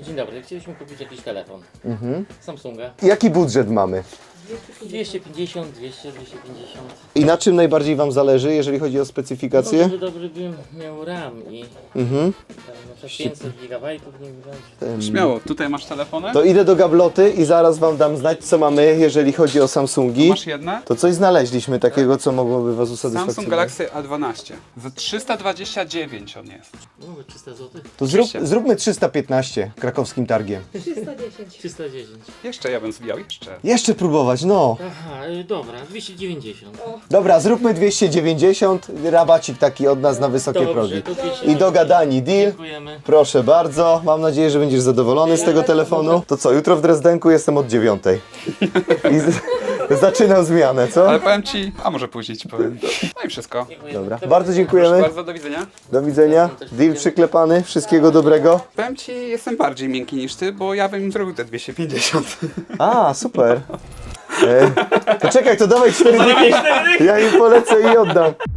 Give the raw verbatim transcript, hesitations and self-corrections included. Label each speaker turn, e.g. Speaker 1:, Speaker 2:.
Speaker 1: Dzień dobry, chcieliśmy kupić jakiś telefon.
Speaker 2: Mhm.
Speaker 1: Samsunga.
Speaker 2: Jaki budżet mamy?
Speaker 1: dwieście pięćdziesiąt, dwieście, dwieście pięćdziesiąt.
Speaker 2: I na czym najbardziej Wam zależy, jeżeli chodzi o specyfikacje?
Speaker 1: Dobrze, dobry bym miał RAM i
Speaker 2: Mhm.
Speaker 1: tam na przykład pięćset gigabajtów nie wiem.
Speaker 3: Śmiało, tutaj masz telefony?
Speaker 2: To idę do gabloty i zaraz Wam dam znać, co mamy, jeżeli chodzi o Samsungi.
Speaker 3: Masz jedne?
Speaker 2: To coś znaleźliśmy takiego, co mogłoby Was usatysfakcjonować.
Speaker 3: Samsung Galaxy A dwanaście. Za trzysta dwadzieścia dziewięć on jest.
Speaker 1: No, trzysta złotych?
Speaker 2: To zrób,
Speaker 3: trzysta.
Speaker 2: zróbmy trzysta piętnaście krakowskim targiem.
Speaker 4: trzysta dziesięć.
Speaker 1: trzysta dziesięć.
Speaker 3: Jeszcze ja bym zwijał, jeszcze.
Speaker 2: Jeszcze próbować, no.
Speaker 1: Aha, y, dobra, dwieście dziewięćdziesiąt.
Speaker 2: Dobra, zróbmy dwieście dziewięćdziesiąt, rabacik taki od nas na wysokie
Speaker 1: Dobrze,
Speaker 2: progi.
Speaker 1: to dwieście
Speaker 2: I dogadani deal.
Speaker 1: Dziękujemy.
Speaker 2: Proszę bardzo, mam nadzieję, że będziesz zadowolony z tego telefonu. To co, jutro w Drezdenku jestem od dziewiątej. I z, zaczynam zmianę, co?
Speaker 3: Ale powiem ci, a może później ci powiem. No i wszystko.
Speaker 1: Dziękujemy.
Speaker 2: Dobra,
Speaker 1: To-
Speaker 2: bardzo
Speaker 3: Proszę
Speaker 2: dziękujemy.
Speaker 3: bardzo, do widzenia.
Speaker 2: Do widzenia. Deal przyklepany, wszystkiego dobrego.
Speaker 3: Powiem ci, jestem bardziej miękki niż ty, bo ja bym im zrobił te dwieście pięćdziesiąt.
Speaker 2: A, super. E, to czekaj, to dawaj cztery dychy. Ja im polecę i oddam.